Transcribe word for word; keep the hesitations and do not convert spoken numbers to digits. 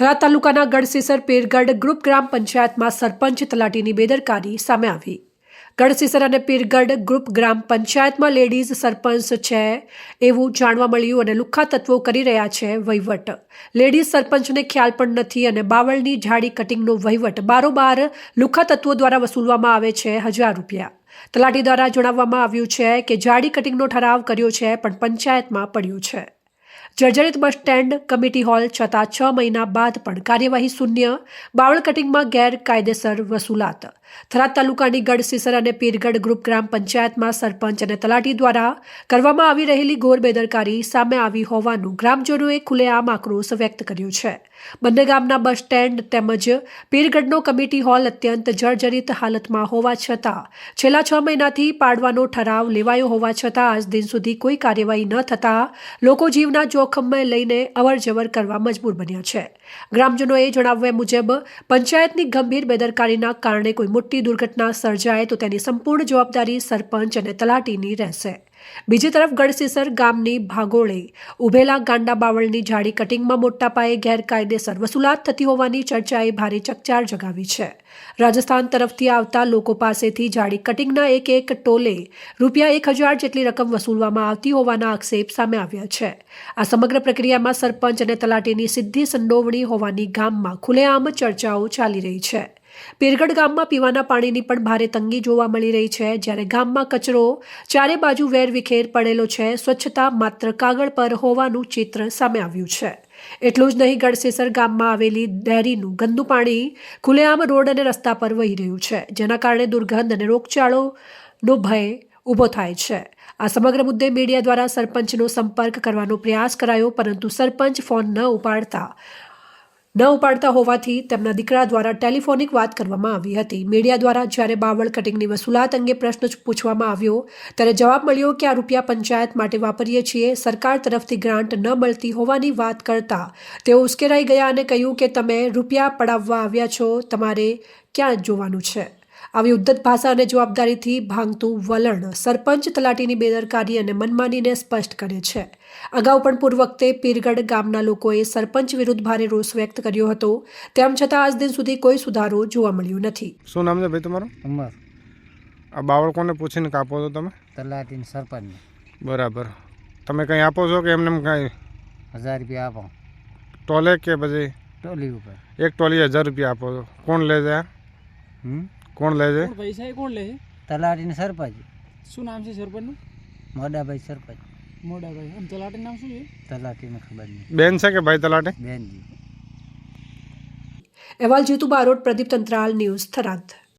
થરાદ તાલુકાના ગઢસીસર પીરગઢ ગ્રુપ ગ્રામ પંચાયતમાં સરપંચ તલાટીની બેદરકારી સામે આવી। ગઢસીસર અને પીરગઢ ગ્રુપ ગ્રામ પંચાયતમાં લેડીઝ સરપંચ છે એવું જાણવા મળ્યું અને લુખ્ખા તત્વો કરી રહ્યા છે વહીવટ। લેડીઝ સરપંચને ખ્યાલ પણ નથી અને બાવળની ઝાડી કટિંગનો વહીવટ બારોબાર લુખ્ખા તત્વો દ્વારા વસૂલવામાં આવે છે હજાર રૂપિયા। તલાટી દ્વારા જણાવવામાં આવ્યું છે કે ઝાડી કટિંગનો ઠરાવ કર્યો છે પણ પંચાયતમાં પડ્યું છે। જર્જરિત બસ સ્ટેન્ડ કમિટી હોલ છતાં છ મહિના બાદ પણ કાર્યવાહી શૂન્ય। બાવળ કટિંગમાં ગેરકાયદેસર વસૂલાત। થરાદ તાલુકાની ગઢસીસર અને પીરગઢ ગ્રુપ ગ્રામ પંચાયતમાં સરપંચ અને તલાટી દ્વારા કરવામાં આવી રહેલી ઘોર બેદરકારી સામે આવી હોવાનું ગ્રામજનોએ ખુલ્લેઆમ આક્રોશ વ્યક્ત કર્યો છે। બંને ગામના બસ સ્ટેન્ડ તેમજ પીરગઢનો કમિટી હોલ અત્યંત જર્જરિત હાલતમાં હોવા છતાં છેલ્લા છ મહિનાથી પાડવાનો ઠરાવ લેવાયો હોવા છતાં આજ દિન સુધી કોઈ કાર્યવાહી ન થતાં લોકો જીવના જોખમને લઈને અવરજવર કરવા મજબૂર બન્યા છે। ગ્રામજનોએ જણાવ્યા મુજબ પંચાયતની ગંભીર બેદરકારીના કારણે કોઈ મોટી દુર્ઘટના સર્જાય તો તેની સંપૂર્ણ જવાબદારી સરપંચ અને તલાટીની રહેશે। બીજી તરફ ગઢસીસર ગામની ભાગોળે ઉભેલા ગાંડા બાવળની ઝાડી કટિંગમાં મોટા પાયે ગેરકાયદેસર વસૂલાત થતી હોવાની ચર્ચાએ ભારે ચકચાર જગાવી છે। રાજસ્થાન તરફથી આવતા લોકો પાસેથી ઝાડી કટિંગના એક એક ટોલે રૂપિયા એક હજાર જેટલી રકમ વસૂલવામાં આવતી હોવાના આક્ષેપ સામે આવ્યા છે। આ સમગ્ર પ્રક્રિયામાં સરપંચ અને તલાટીની સીધી સંડોવણી હોવાની ગામમાં ખુલ્લેઆમ ચર્ચાઓ ચાલી રહી છે। પીરગઢ ગામમાં પીવાના પાણીની પણ ભારે તંગી જોવા મળી રહી છે, જ્યારે ગામમાં કચરો ચારે બાજુ વેરવિખેર પડેલો છે। સ્વચ્છતા માત્ર કાગળ પર હોવાનું ચિત્ર સામે આવ્યું છે। એટલું જ નહીં, ગઢસીસર ગામમાં આવેલી ડેરીનું ગંદુ પાણી ખુલ્લેઆમ રોડ અને રસ્તા પર વહી રહ્યું છે, જેના કારણે દુર્ગંધ અને રોગચાળોનો ભય ઊભો થાય છે। આ સમગ્ર મુદ્દે મીડિયા દ્વારા સરપંચનો સંપર્ક કરવાનો પ્રયાસ કરાયો, પરંતુ સરપંચ ફોન ન ઉપાડતા ન ઉપાડતા હોવાથી તેમના દીકરા દ્વારા ટેલિફોનિક વાત કરવામાં આવી હતી। મીડિયા દ્વારા જ્યારે બાવળ કટિંગની વસૂલાત અંગે પ્રશ્ન પૂછવામાં આવ્યો ત્યારે જવાબ મળ્યો કે આ રૂપિયા પંચાયત માટે વાપરીએ છીએ, સરકાર તરફથી ગ્રાન્ટ ન મળતી હોવાની વાત કરતા તેઓ ઉશ્કેરાઈ ગયા અને કહ્યું કે તમે રૂપિયા પડાવવા આવ્યા છો, તમારે ક્યાં જોવાનું છે। આવી ઉદ્ધત ભાષા અને જવાબદારીથી ભાંગતું વલણ સરપંચ તલાટીની બેદરકારી અને મનમાનીને સ્પષ્ટ કરે છે। અગાઉ પણ પૂર્વ વખતે પીરગઢ ગામના લોકોએ સરપંચ વિરુદ્ધ ભારે રોષ વ્યક્ત કર્યો હતો, તેમ છતાં આજ દિન સુધી કોઈ સુધારો જોવા મળ્યો નથી। શું નામ છે ભાઈ તમારું? ઉમર। આ બાવળ કોને પૂછીને કાપો છો તમે? તલાટીને સરપંચ। બરાબર। તમે કંઈ આપો છો કે એમને કાંઈ? હજાર રૂપિયા આપો ટોલે કે પછી ટોલી ઉપર? એક ટોલી હજાર રૂપિયા આપો છો। કોણ લે છે? હમ કોણ લે છે? પૈસા એ કોણ લે છે? તલાટીને સરપંચ। શું નામ છે સરપંચનું? મોડાભાઈ સરપંચ। મોડાભાઈ। આમ તલાટી નામ શું છે? તલાટીને ખબર નહીં। બેન છે કે ભાઈ તલાટી? બેનજી। અહેવાલ જીતુ બારોટ, પ્રદીપ તંત્રાલ, ન્યૂઝ થરાદ।